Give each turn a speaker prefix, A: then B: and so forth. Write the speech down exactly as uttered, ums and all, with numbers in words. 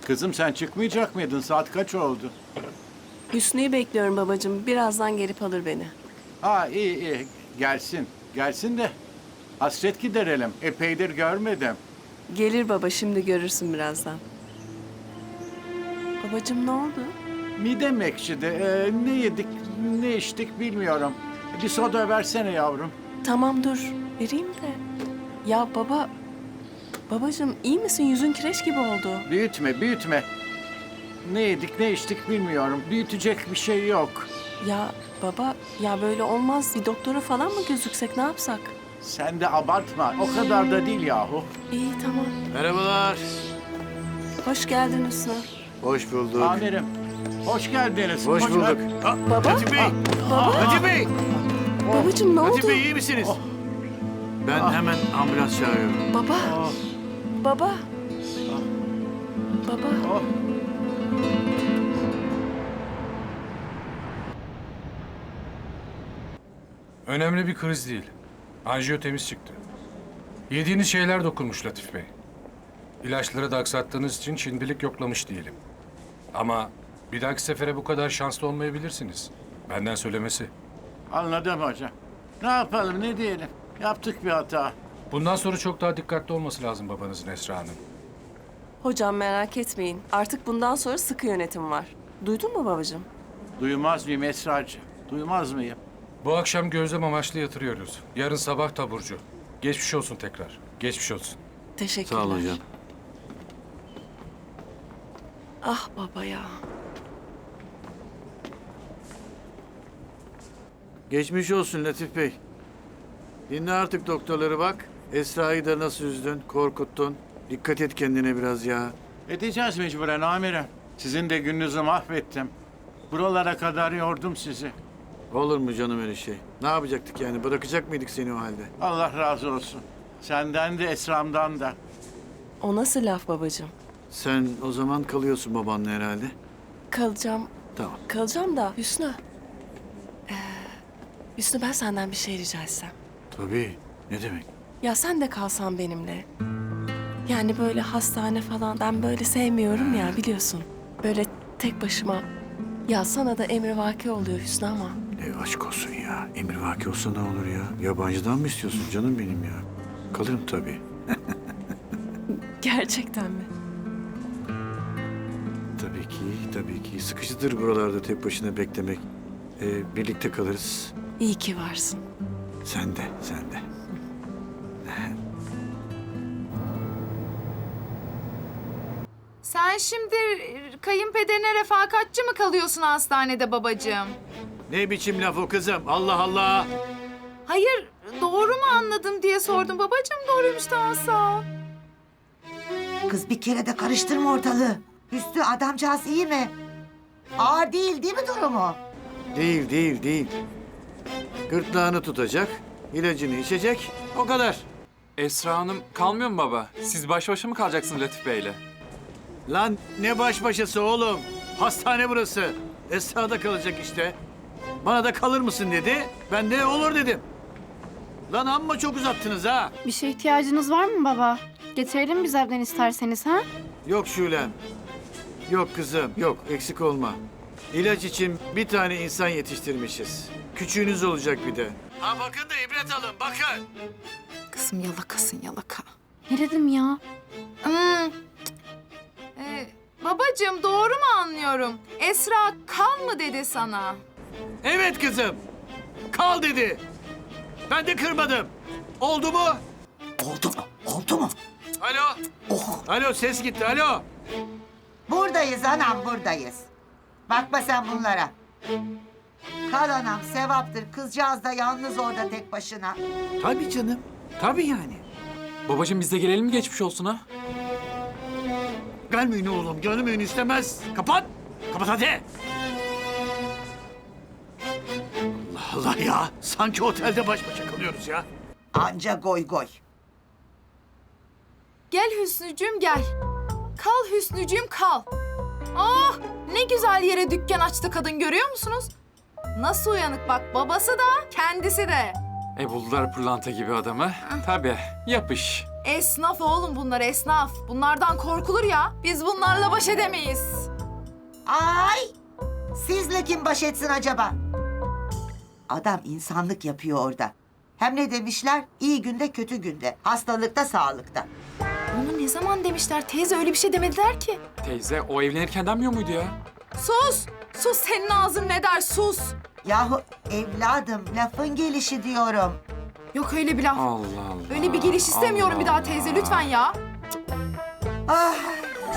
A: Kızım sen çıkmayacak mıydın? Saat kaç oldu?
B: Hüsnü'yü bekliyorum babacığım. Birazdan gelip alır beni.
A: Ha iyi iyi. Gelsin. Gelsin de hasret giderelim. Epeydir görmedim.
B: Gelir baba, şimdi görürsün birazdan. Babacığım ne oldu?
A: Midem ekşidi. Ee, ne yedik, ne içtik bilmiyorum. Bir soda versene yavrum.
B: Tamam dur, vereyim de. Ya baba, babacığım iyi misin? Yüzün kireç gibi oldu.
A: Büyütme, büyütme. Ne yedik, ne içtik bilmiyorum. Büyütecek bir şey yok.
B: Ya baba, ya böyle olmaz. Bir doktora falan mı gözüksek, ne yapsak?
A: Sen de abartma. O kadar da değil yahu.
B: İyi tamam.
C: Merhabalar.
B: Hoş geldin Hüsnü.
C: Hoş bulduk.
A: Amirim, hoş geldiniz.
C: Hoş bulduk. Aa,
B: Baba?
C: Latif Bey.
B: Baba?
C: Latif Bey.
B: Babacığım ne
C: Latif
B: oldu?
C: Bey iyi misiniz? Ben hemen ambulans çağırıyorum.
B: Baba,
A: Oh,
B: baba. Baba.
A: oh.
D: Önemli bir kriz değil. Anjiyo temiz çıktı. Yediğiniz şeyler dokunmuş Latif Bey. İlaçları da aksattığınız için şimdilik yoklamış diyelim. Ama bir dahaki sefere bu kadar şanslı olmayabilirsiniz. Benden söylemesi.
A: Anladım hocam. Ne yapalım, ne diyelim? Yaptık bir hata.
D: Bundan sonra çok daha dikkatli olması lazım babanızın Esra Hanım.
B: Hocam merak etmeyin. Artık bundan sonra sıkı yönetim var. Duydun mu babacığım?
A: Duymaz mıyım Esracığım? Duymaz mıyım?
D: Bu akşam gözlem amaçlı yatırıyoruz. Yarın sabah taburcu. Geçmiş olsun tekrar. Geçmiş olsun.
B: Teşekkürler.
C: Sağ olun hocam.
B: Ah baba ya.
C: Geçmiş olsun Latif Bey. Dinle artık doktorları bak. Esra'yı da nasıl üzdün, korkuttun. Dikkat et kendine biraz ya.
A: Edeceğiz mecburen amirim. Sizin de gününüzü mahvettim. Buralara kadar yordum sizi.
C: Olur mu canım öyle şey? Ne yapacaktık yani? Bırakacak mıydık seni o halde?
A: Allah razı olsun. Senden de Esra'mdan da.
B: O nasıl laf babacığım?
C: Sen o zaman kalıyorsun babanla herhalde.
B: Kalacağım.
C: Tamam.
B: Kalacağım da Hüsnü. Ee, Hüsnü ben senden bir şey rica etsem.
C: Tabii. Ne demek?
B: Ya sen de kalsan benimle. Yani böyle hastane falan ben böyle sevmiyorum ya biliyorsun. Böyle tek başıma. Ya sana da emrivaki oluyor Hüsnü ama.
C: E aşk olsun ya. Emrivaki olsa ne olur ya? Yabancıdan mı istiyorsun canım benim ya? Kalırım tabii.
B: Gerçekten mi?
C: Tabii ki, tabii ki. Sıkıcıdır buralarda tek başına beklemek. Ee, birlikte kalırız.
B: İyi ki varsın.
C: Sen de, sen de.
E: Sen şimdi kayınpederine refakatçi mi kalıyorsun hastanede babacığım?
C: Ne biçim laf o kızım? Allah Allah!
E: Hayır, doğru mu anladım diye sordum babacığım. Doğruymuş, tamam sağ ol.
F: Kız bir kere de karıştırma ortalığı. Üstü adamcağız iyi mi? Ağır değil değil mi durumu?
C: Değil, değil, değil. Gırtlağını tutacak, ilacını içecek, o kadar.
G: Esra Hanım kalmıyor mu baba? Siz baş başa mı kalacaksınız Latif Bey'le?
C: Lan ne baş başası oğlum? Hastane burası. Esra'da kalacak işte. Bana da kalır mısın dedi. Ben de olur dedim. Lan amma çok uzattınız ha.
H: Bir şeye ihtiyacınız var mı baba? Getirelim biz evden isterseniz ha?
C: Yok Şulem. Yok kızım, yok eksik olma. İlaç için bir tane insan yetiştirmişiz. Küçüğünüz olacak bir de. Ha bakın da ibret alın, bakın.
E: Kızım yalakasın yalaka.
H: Ne dedim ya?
E: Hmm. Ee, babacığım doğru mu anlıyorum? Esra kal mı dedi sana?
C: Evet kızım. Kal dedi. Ben de kırmadım. Oldu mu?
F: Oldu mu? Oldu mu?
C: Alo.
F: Oh.
C: Alo ses gitti, alo.
F: Buradayız anam buradayız. Bakma sen bunlara. Kal anam sevaptır. Kızcağız da yalnız orada tek başına.
C: Tabii canım. Tabii yani.
G: Babacığım biz de gelelim mi geçmiş olsun ha?
C: Gelmeyin oğlum, gelmeyin istemez. Kapat. Kapat hadi. Allah Allah ya. Sanki otelde baş başa kalıyoruz ya.
F: Anca goy goy.
E: Gel Hüsnücüğüm gel. Kal Hüsnücüğüm kal. Ah ne güzel yere dükkan açtı kadın görüyor musunuz? Nasıl uyanık bak babası da kendisi de.
G: E buldular pırlanta gibi adamı. Tabii yapış.
E: Esnaf oğlum bunlar esnaf. Bunlardan korkulur ya. Biz bunlarla baş edemeyiz.
F: Ay! Sizle kim baş etsin acaba? Adam insanlık yapıyor orada. Hem ne demişler? İyi günde kötü günde. Hastalıkta sağlıkta.
E: Onu ne zaman demişler? Teyze öyle bir şey demediler ki.
G: Teyze o evlenirken denmiyor muydu ya?
E: Sus! Sus senin ağzın ne der sus!
F: Yahu evladım lafın gelişi diyorum.
E: Yok öyle bir laf.
G: Allah Allah.
E: Öyle bir geliş istemiyorum
G: Allah
E: bir daha teyze
G: Allah.
E: lütfen ya.
F: Ah